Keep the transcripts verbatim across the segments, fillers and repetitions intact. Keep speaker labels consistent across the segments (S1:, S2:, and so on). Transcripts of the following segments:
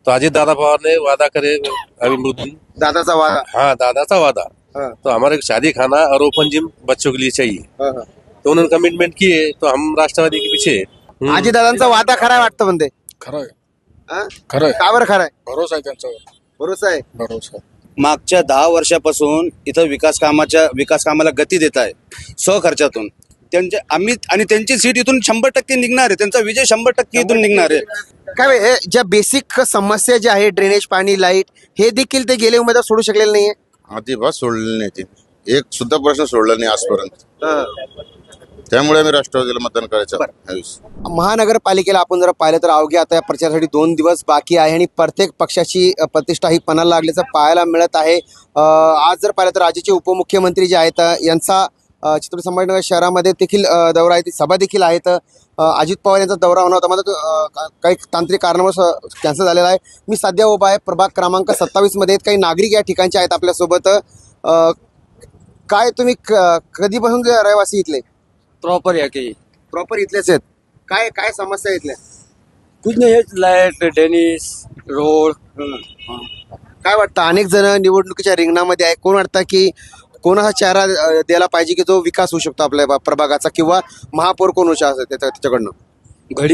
S1: तो अजित दादा पवार ने वादा करे अभी मृत्यु
S2: दादाचा वादा.
S1: हाँ दादा का वादा
S2: हाँ,
S1: तो हमारे को शादी खाना और ओपन जिम बच्चों के लिए चाहिए.
S2: हाँ, हाँ.
S1: तो उन्होंने कमिटमेंट किए तो हम राष्ट्रवादी के पीछे हैं. हम्म.
S2: आजी दादांचा वादा खरा आहे वाटतं म्हणते.
S3: खरं आहे
S2: हा?
S3: खरं आहे
S2: का बरं खरा आहे?
S3: भरोसा आहे त्यांच्यावर
S2: भरोसा आहे.
S3: भरोसा
S4: मागच्या दहा वर्षापासून इथं विकास कामाच्या विकास कामाला गती देत आहे स्वखर्चातून. त्यांचे आम्ही आणि त्यांची सीट इथून शंभर टक्के निघणार आहे. त्यांचा विजय शंभर टक्के इथून निघणार आहे.
S2: काय बे, हे ज्या बेसिक समस्या ज्या आहे ड्रेनेज पाणी लाईट हे देखील ते गेले उमेदवार सोडू शकलेले नाहीये.
S5: अजिबात सोडलेले नाही ते. एक सुद्धा प्रश्न सोडला नाही आजपर्यंत.
S2: हा.
S5: त्यामुळे आम्ही राष्ट्रवादीला मतदान करायचं आहे.
S2: महानगरपालिकेला आपण जर पाहिलं तर अवघ्या आता या प्रचारासाठी दोन दिवस बाकी आहे आणि प्रत्येक पक्षाची अ, प्रतिष्ठा ही पणाला लागल्याचं पाहायला मिळत आहे. अ, आज जर पाहिलं तर राज्याचे उपमुख्यमंत्री जे आहेत अ, यांचा अ, छत्रपती संभाजीनगर शहरामध्ये देखील अ, दौरा आहे. ती सभा देखील आहेत. अ, अजित पवार यांचा दौरा होणार होता मात्र तो, अ, का- काही तांत्रिक कारणामुळे कॅन्सल झालेला आहे. मी सध्या उभा आहे प्रभाग क्रमांक सत्तावीस मध्ये. काही नागरिक या ठिकाणचे आहेत आपल्यासोबत. अ, काय तुम्ही क- कधीपासून जे रहिवासी इथले
S6: प्रॉपर या की
S2: प्रॉपर इथलेच आहेत? काय काय समस्या आहे इथल्या?
S6: कुछ नाही हेच लाईट टेनिस रोड
S2: काय वाटतं अनेक जण निवडणुकीच्या रिंगणामध्ये आहे. कोण वाटतं की कोणाचा चेहरा अ, द्यायला पाहिजे की जो विकास होऊ शकतो आपल्या बा- प्रभागाचा किंवा महापौर कोण होऊ शकतो त्याच्या- त्याच्याकडनं
S6: घडी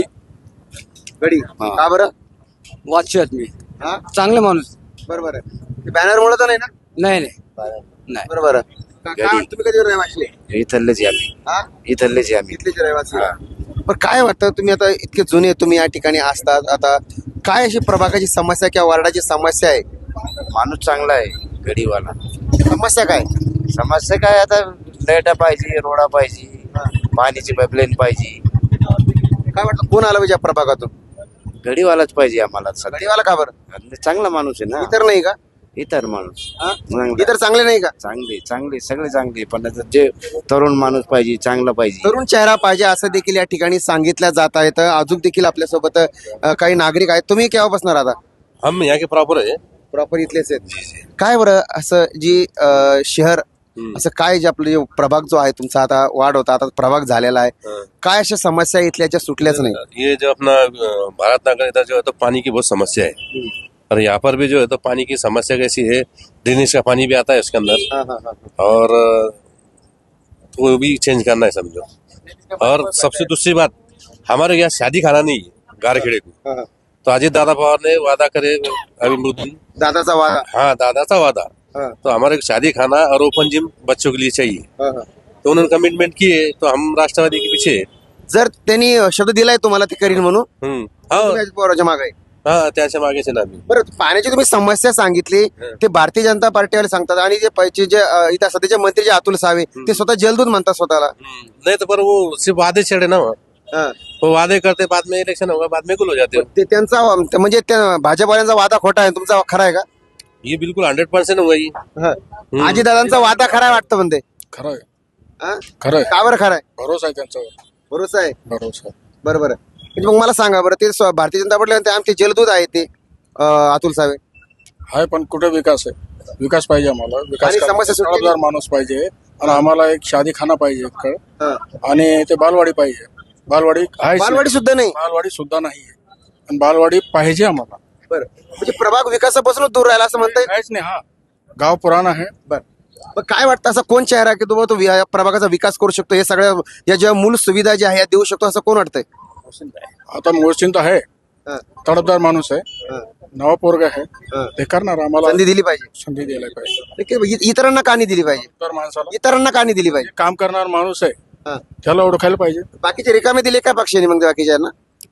S2: गडी का बरं?
S6: वाचू आहेत मी
S2: हा
S6: चांगले माणूस
S2: बरोबर आहे. बॅनर मुळे तर नाही ना?
S6: नाही नाही नाही
S2: बरोबर आहे. का- काय वाटतं? तुम्ही कधी रहिवासी
S4: इथलेच आहे आम्ही
S2: हा
S4: इथलेच आहे आम्ही
S2: इथलेच रहिवासी. पण काय वाटतं तुम्ही आता इतके जुने तुम्ही या ठिकाणी असतात आता काय अशी प्रभागाची समस्या किंवा वार्डाची समस्या आहे?
S4: माणूस चांगला आहे गडीवाला.
S2: समस्या काय?
S4: समस्या काय आता लाईटा पाहिजे रोडा पाहिजे पाणीची पाईपलाईन पाहिजे.
S2: काय वाटतं कोण आलं पाहिजे या प्रभागातून?
S4: गडीवालाच पाहिजे आम्हाला सध्या.
S2: गडीवाला का बरं?
S4: चांगला माणूस आहे ना.
S2: इतर नाही का?
S4: इतर माणूस
S2: हा?
S4: चांगला.
S2: इतर चांगले नाही का?
S4: चांगले चांगले सगळे चांगले पण आता जे तरुण माणूस पाहिजे चांगला पाहिजे.
S2: तरुण चेहरा पाहिजे असं देखील या ठिकाणी सांगितलं जात आहे. तर अजून देखील आपल्यासोबत अ, काही नागरिक आहेत. तुम्ही केव्हा बसणार आता?
S1: हम यहाँ के प्रॉपर है.
S2: प्रॉपर इथलेच आहेत. काय बरं असं जी अ, शहर असं काय जे आपलं जे प्रभाग जो आहे तुमचा आता वाढ होता आता प्रभाग झालेला आहे.
S1: हाँ.
S2: काय अशा समस्या इथल्याच्या सुटल्याच नाही?
S1: ये जो अपना अ, भारत नगर इधर जो है तो पानी की बहुत समस्या है. और यहाँ पर भी जो है तो पानी की समस्या कैसी है, ड्रेनेज का पानी भी आता है उसके अंदर
S2: हाँ, हाँ, हाँ.
S1: और अ, तो वो भी चेंज करना है समझो. और सबसे दूसरी बात हमारे यहाँ शादी खाना नहीं है गारखेड़े को.
S2: हाँ, हाँ.
S1: तो अजित दादा पवार ने वादा करे अभी मृत्यु
S2: दादाचा वादा.
S1: हाँ दादा का वादा
S2: हाँ,
S1: तो हमारे को शादी खाना और ओपन जिम बच्चों के लिए चाहिए.
S2: हाँ, हाँ.
S1: तो उन्होंने कमिटमेंट किए तो हम राष्ट्रवादी के पीछे हैं.
S2: जर त्यांनी शब्द दिलाय तुम्हाला ते करीन म्हणून
S1: हम्म. हाँ
S2: तुम्ही अजित पवारांच्या मागे आहे.
S1: हाँ त्याच्या मागेच आहे ना आम्ही.
S2: बरं पाण्याची तुम्ही समस्या सांगितली ते भारतीय जनता पार्टीवाले सांगतात आणि जे पैसे जे अ, इथं सध्याचे मंत्री जे अतुल सावे ते स्वतः जलदूत म्हणतात स्वतःला.
S1: हम्म. नहीं तो पर वो सिर्फ वादे छेड़े ना. वो
S2: हा.
S1: वो वादे करते बाद में इलेक्शन होगा बाद में गुल हो जाते हो.
S2: ते त्यांचा म्हणजे त्या भाजपवाल्यांचा वादा खोटा आहे तुमचा खरा आहे का?
S1: ये बिल्कुल हंड्रेड परसेंट हुआ ही.
S2: आजी दादांचा वादा खरा आहे वाटतं म्हणते.
S3: खरं आहे
S2: हा?
S3: खरं आहे
S2: का बरं खरा आहे?
S3: भरोसा आहे त्यांच्यावर
S2: भरोसा आहे.
S3: भरोसा
S2: बरोबर आहे. म्हणजे मग मला सांगा बरं ते स्व- भारतीय जनता पार्टी म्हणते आमचे जलदूत आहे ते अ, अतुल सावे.
S3: आहे पण कुठे विकास आहे विकास पाहिजे आम्हाला विकास
S2: आणि
S3: करणारा
S2: समस्या सुटली नाही.
S3: जबाबदार माणूस पाहिजे आणि आम्हाला एक शादी खाना पाहिजे इकडं.
S2: हा.
S3: आणि ते बालवाडी पाहिजे बालवाडी आहे
S2: बालवाडी सुद्धा नाही.
S3: बालवाडी सुद्धा नाही आणि बालवाडी पाहिजे आम्हाला.
S2: बरं म्हणजे प्रभाग विकासापासूनच दूर राहिला असं म्हणता येईल.
S3: काहीच नाही हा गाव पुराण आहे.
S2: बरं मग काय वाटतं असं कोण चेहरा आहे की तो तो वि- या प्रभागाचा विकास करू शकतो हे सगळ्या या ज्या मूल सुविधा ज्या आहे या देऊ शकतो असं कोण वाटतंय?
S3: आता मोर्चिन तर आहे
S2: हा.
S3: तडफदार माणूस आहे
S2: हा.
S3: नवा पोरग आहे
S2: हा.
S3: ते करणार आम्हाला
S2: संधी दिली पाहिजे.
S3: संधी द्यायला पाहिजे.
S2: ठीक आहे, इ- इतरांना का नाही दिली पाहिजे?
S3: तर माणसाला
S2: इतरांना का नाही दिली पाहिजे?
S3: काम करणार माणूस आहे
S2: हा.
S3: त्याला ओळखायला पाहिजे.
S2: बाकीचे रिकामे दिले काय पक्षाने मग बाकीच्यांना?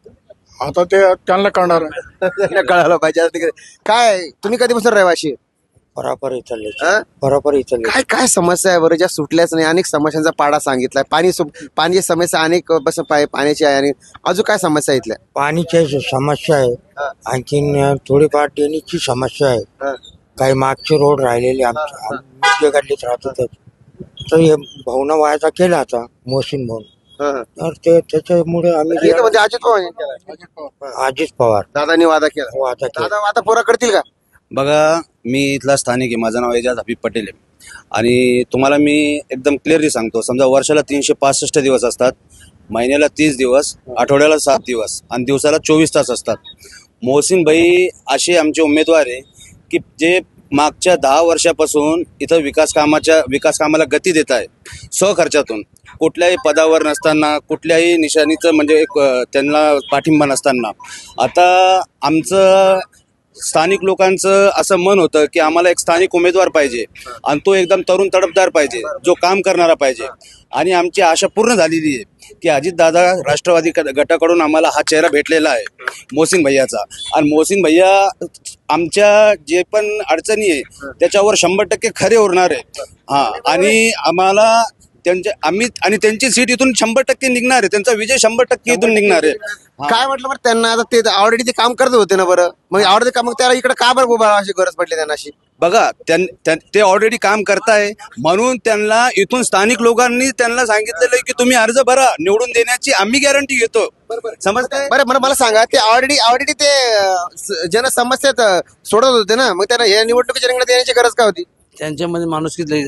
S3: आता ते त्यांना करणार आहे.
S2: त्यांना कळायला पाहिजे आता तिकडे. काय तुम्ही कधीपासून रहिवाशी आहे?
S6: बरोबर इथले
S2: हा?
S6: बरोबर इथले
S2: काय काय समस्या आहे बरं ज्या सुटल्याच नाही? अनेक समस्यांचा पाडा सांगितलाय. पाणी सु- पाण्याची समस्या अनेक बस पाय- पाण्याची आहे आणि अजून काय समस्या आहे इथल्या?
S6: पाणीची समस्या आहे
S2: हा.
S6: आणखीन थोडीफार ड्रेनेजची समस्या आहे.
S2: हा.
S6: काही मागचे रोड राहिलेले आमच्या आम्ही गल्लीत राहतो तर हे भावना व्हायचा केला आता मोहसिन भाऊ
S2: हा, हा.
S6: तर ते त्याच्यामुळे आम्ही
S2: इथं म्हणजे अजित पवार यांनी केलाय.
S6: अजित पवार
S2: दादानी वादा केला.
S6: वादा केला.
S2: दादा वादा पुरा करतील का?
S4: बघा मी इथला स्थानिक आहे माझं नाव एजाज हबीब पटेल आहे आणि तुम्हाला मी एकदम क्लिअरली सांगतो समजा वर्षाला तीनशे पासष्ट दिवस असतात महिन्याला तीस दिवस आठवड्याला सात दिवस आणि दिवसाला चोवीस तास असतात. मोहसिन भाई असे आमचे उमेदवार आहे की जे मागच्या दहा वर्षापासून इथं विकास कामाच्या विकास कामाला गती देत आहे स्वखर्चातून, कुठल्याही पदावर नसताना, कुठल्याही निशाणीचं म्हणजे एक अ, त्यांना पाठिंबा नसताना. आता आमचं स्थानिक लोकांचं असं मन होतं की आम्हाला एक स्थानिक उमेदवार पाहिजे आणि तो एकदम तरुण तडफदार पाहिजे, जो काम करणारा पाहिजे. आणि आमची आशा पूर्ण झालेली आहे की अजितदादा राष्ट्रवादी क- गटाकडून आम्हाला हा चेहरा भेटलेला आहे मोहसिन भैयाचा. आणि मोहसिन भैया आमच्या जे पण अडचणी आहे त्याच्यावर शंभर टक्के खरे उरणार आहे. हा, आणि आम्हाला त्यांचे आम्ही आणि त्यांची सीट इथून शंभर टक्के निघणार आहे, त्यांचा विजय शंभर टक्के इथून निघणार आहे.
S2: काय म्हटलं बरं त्यांना, आता ते ऑलरेडी ते काम करत होते ना बरं, मग ऑलरेडी काम, मग त्याला इकडे का बरं उभा अशी गरज पडली त्यांना अशी?
S4: बघा, त्यां- त्यां- ते ऑलरेडी काम करताय म्हणून त्यांना इथून स्थानिक लोकांनी त्यांना सांगितलेलं आहे की तुम्ही अर्ज भरा, निवडून देण्याची आम्ही गॅरंटी घेतो. समजतंय?
S2: बरं बरं मला सांगा, ते ऑलरेडी ऑलरेडी ते अं, स- जनसमस्यात अं, सोडत होते ना, मग त्यांना या निवडणुकीच्या रिंगणात येण्याची गरज काय होती?
S7: त्यांच्यामध्ये माणुसकी लई-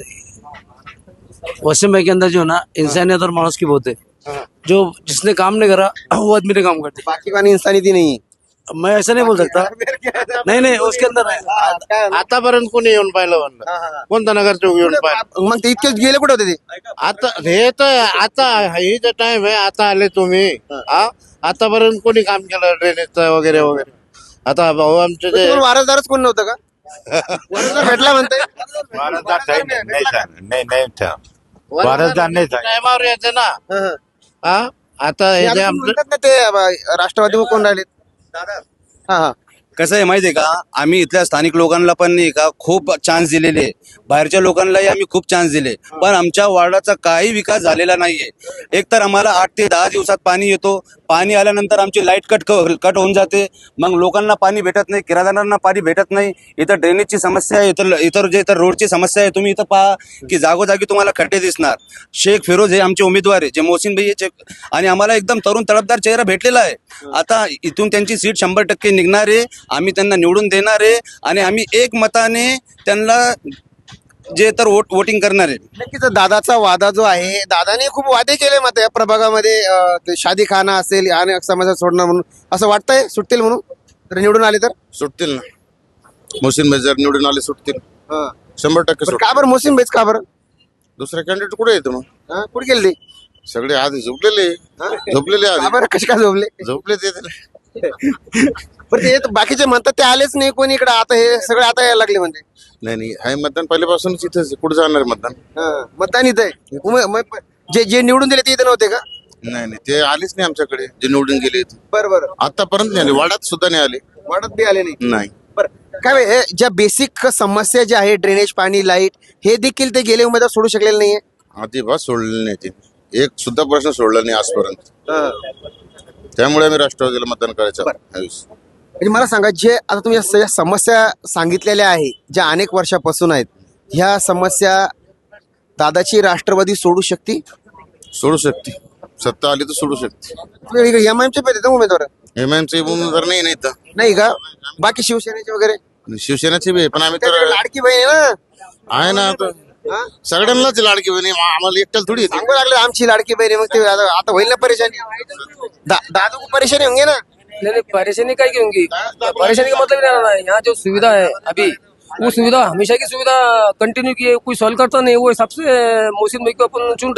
S7: वसीम भाई के अंदर जो है ना इंसानियत और मानुस की बहुत है. जो जिसने काम नहीं करा वो आदमी ने काम करते.
S2: बाकी कोणी इंसानियत नाही.
S7: मैं ऐसा नहीं बोल सकता. नहीं नहीं उसके अंदर है.
S8: आतापर्यंत कोणी येऊन पाहिलं म्हणलं, कोणता नगरसेवक येऊन पाहिलं?
S2: मग ते इतके गेले कुठे होते ते?
S8: आता हे तर आता ही जे टाइम आहे, आता आले तुम्ही. हा, आतापर्यंत कोणी काम केलं ड्रेनेजचं वगैरे वगैरे? आता भाऊ आमचे जे
S2: तुम्हाला वारसदारच कोण नव्हतं का? वारसदार भेटला म्हणते.
S9: वारसदार नाही नाही नाही नाही था. वारसदार नाही था.
S8: टायमावर यायचं ना.
S2: हं, हं.
S8: हा, आता हे जे
S2: आता
S8: आमचं
S2: म्हणतात ना ते अं, राष्ट्रवादी कोण राहिले? हा हा
S4: कसं आहे माहिती आहे का, आम्ही इथल्या स्थानिक लोकांना पण नाही का खूप चान्स दिलेले, बाहेरच्या लोकांनाही आम्ही खूप चान्स दिले, पण आमच्या वार्डाचा काही विकास झालेला नाहीये. एक तर आम्हाला आठ ते दहा दिवसात पाणी येतो, पाणी आल्यानंतर आमची लाईट कट कट होऊन जाते, मग लोकांना पाणी भेटत नाही, किराणदारांना पाणी भेटत नाही. इथं ड्रेनेजची समस्या आहे, इतर इतर जे इतर रोडची समस्या आहे. तुम्ही इथं पहा की जागोजागी तुम्हाला खड्डे दिसणार. शेख फिरोज हे आमचे उमेदवार आहे, जे मोहसिन भाई हे, आणि आम्हाला एकदम तरुण तडफदार चेहरा भेटलेला आहे. आता इथून त्यांची सीट शंभर टक्के निघणार आहे, आम्ही त्यांना निवडून देणार आहे आणि आम्ही एक मताने त्यांना जे तर वोट वोटिंग करणार आहे.
S2: नक्कीच दादाचा वादा जो आहे, दादाने खूप वादे केले मत या प्रभागामध्ये, अं, ते शादी खाना असेल आणि समाजात सोडणं म्हणून, असं वाटतंय सुटतील म्हणून तर निवडून आले तर?
S5: सुटतील ना. मोहसिन भाई जर निवडून आले सुटतील,
S2: हं.
S5: शंभर टक्के
S2: बरं,
S5: सुटतील.
S2: का बरं मोहसिन भाईच का बरं?
S5: दुसरे कॅन्डिडेट कुठे येते मग?
S2: हं? कुठे गेले ते?
S5: सगळे आधी झोपलेले झोपलेले
S2: का
S5: आधी
S2: बरं, कसे काय झोपले?
S5: झोपले ते तर.
S2: बरं, ते तर बाकीचे म्हणतात ते आलेच नाही कोणी इकडे, आता हे सगळे आता यायला लागले म्हणजे.
S5: नाही नाही, हाय मतदान पहिल्यापासूनच इथेच, कुठे जाणार आहे मतदान?
S2: हं. मतदान इथं आहे. उमे- उमे- जे जे निवडून दिले ते इथे नव्हते का?
S5: नाही नाही, ते आलेच नाही आमच्याकडे, जे निवडून गेले इथे.
S2: बरं बरं,
S5: आतापर्यंत नाही आले, वाड्यात सुद्धा नाही आले.
S2: वाटत बी आले नाही.
S5: नाही.
S2: बरं, काय हे ज्या बेसिक समस्या ज्या आहे, ड्रेनेज, पाणी, लाईट, हे देखील ते गेले उमेदवार सोडू शकलेले नाहीये.
S5: अजिबात सोडलेले नाही ते, एक सुद्धा प्रश्न सोडला नाही आजपर्यंत.
S2: हं.
S5: त्यामुळे आम्ही राष्ट्रवादीला मतदान करायचं आहे.
S2: म्हणजे मला सांगा, जे आता तुम्ही या सगळ्या समस्या सांगितलेल्या आहे, ज्या अनेक वर्षापासून आहेत, ह्या समस्या दादाची राष्ट्रवादी सोडू शकते?
S5: सोडू शकते, सत्ता आली तर सोडू शकते.
S2: एम आयचे पाहिजे उमेदवार
S5: एम आयचे उमेदवार नाही नाही तर.
S2: नाही का? बाकी शिवसेनेचे वगैरे?
S5: शिवसेनेचे बी आहे, पण आम्ही तर
S2: त्याच्याकडे लाडकी बहीण आहे ना.
S5: आहे ना आता.
S2: हा?
S5: सगळ्यांनाच लाडकी बहिणी, आम्हाला एकट्याला थोडी येते.
S2: सांगू लागले आमची लाडकी बहीण आहे, मग ते आता आता होईल ना परेशानी. दा- दादू को परेशानी होंगे ना.
S7: नहीं नहीं परेशानी काय की होंगी, परेशानी का मतलब ही नहीं रहा है. यहाँ जो सुविधा है अभी, वो सुविधा हमेशा की सुविधा कंटिन्यू की है, कोई सॉल्व करता नहीं, वो हिसाब से मोहसिन भाई को अपन चुन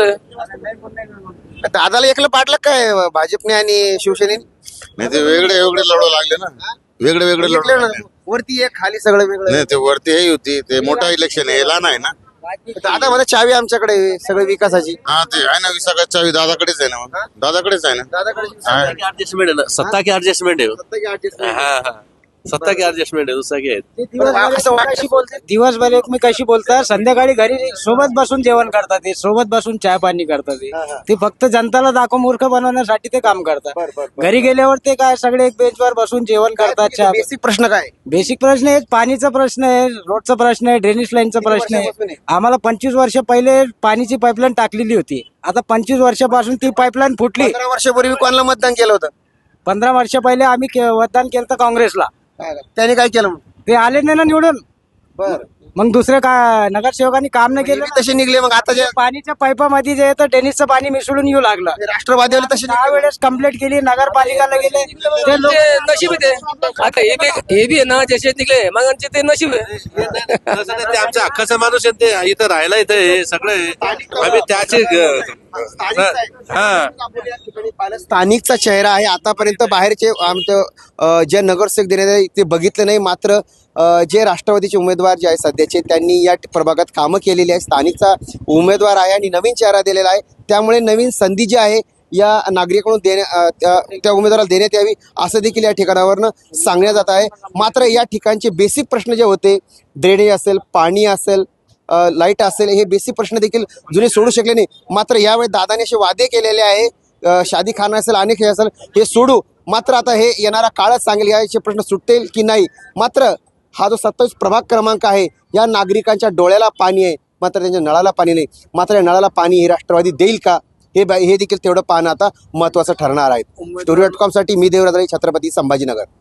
S7: रहे.
S2: दादाला एकलं पाडलं काय भाजपने आणि शिवसेनेने?
S5: नाही ते वेगळे वेगळे लढू लागले ना, वेगळे वेगळे लढू
S2: बघितलं ना,
S5: लागले.
S2: वरती एक खाली सगळं वेगळं.
S5: नाही ते वरती हे होती, ते मोठा इलेक्शन आहे, लहान आहे ना.
S2: दादा मला चावी आमच्याकडे आहे, सगळं विकासाची.
S5: हा ते आहे ना, विसाकाची चावी दादाकडेच आहे ना. मग दादाकडेच आहे ना.
S2: दादाकडे
S5: हा.
S1: एडजस्टमेंट है ना, सत्ता की एडजस्टमेंट है वो. हाँ हाँ, सत्ता की एडजस्टमेंट है, दूसरा क्या है.
S2: असं वाटतं
S10: दिवसभर एकमेकाशी बोलतात, संध्याकाळी घरी सोबत बसून जेवण करतात, ते सोबत बसून चहा पाणी करतात. ते. ते फक्त जनताला दाखव मूर्ख बनवण्यासाठी ते काम करतात. घरी गेल्यावर ते काय सगळे एक बेंचवर बसून जेवण करतात, चहा.
S2: बेसिक प्रश्न काय?
S10: बेसिक प्रश्न आहे, पाणीचा प्रश्न आहे, रोडचा प्रश्न आहे, ड्रेनेज लाईनचा प्रश्न आहे. आम्हाला पंचवीस वर्ष पहिले पाणीची पाईपलाईन टाकलेली होती, आता पंचवीस वर्षापासून ती पाईपलाईन फुटली.
S2: पंधरा वर्षापूर्वी कोणाला मतदान केलं होतं?
S10: पंधरा वर्ष पहिले आम्ही के- मतदान केलं होतं काँग्रेसला.
S2: त्याने काय केलं मग?
S10: ते आले नाही ना निवडून.
S2: बर,
S10: मग दुसरे का नगरसेवकांनी काम नाही केलं
S2: नेहमी तसे निघले मग आता जे
S10: पाणीच्या पाईपामध्ये जे येतं टेनिसचं पाणी मिसळून येऊ लागलं
S2: राष्ट्रवादीवाले तसे
S10: दहा वेळेस कंप्लेंट केली नगरपालिकाला गेले ते लोक
S7: ते नशीब आहे ते आता हे बी हे बी आहे ना जसे निघले मग ते नशीब आहे
S1: तसं नाही, ते आमच्या हक्काचा माणूस आहे ते इथं राहायला इथं हे सगळे आम्ही त्याचे हा
S2: स्थानिकचा चेहरा आहे. आतापर्यंत बाहेरचे आमचं अ, जे नगरसेवक देण्यात आले ते बघितलं नाही. मात्र अ, जे राष्ट्रवादीचे उमेदवार जे आहे सध्याचे त्यांनी या प्रभागात कामं केलेली आहे. स्थानिकचा उमेदवार आहे आणि नवीन चेहरा दिलेला आहे. त्यामुळे नवीन संधी जी आहे या नागरिकांकडून देण्या अ, त्या त्या उमेदवाराला देण्यात यावी असं देखील या ठिकाणावरनं सांगण्यात जात आहे. मात्र या ठिकाणचे बेसिक प्रश्न जे होते ड्रेनेज असेल, पाणी असेल, अ, लाईट असेल, हे बेसिक प्रश्न देखील जुने सोडू शकले नाही. मात्र यावेळी दादाने असे वादे केलेले आहे अ, शादी खाना असेल अनेक हे असेल हे सोडू. मात्र आता हे येणारा काळच सांगेल याचे प्रश्न सुटतील की नाही. मात्र हा जो सत्तावीस प्रभाग क्रमांक आहे या नागरिकांच्या डोळ्याला पाणी आहे मात्र त्यांच्या नळाला पाणी नाही. मात्र या नळाला पाणी हे राष्ट्रवादी देईल का हे हे देखील तेवढं पाहणं आता महत्त्वाचं ठरणार आहे. स्टोरी डॉट कॉमसाठी मी देवराज, छत्रपती संभाजीनगर.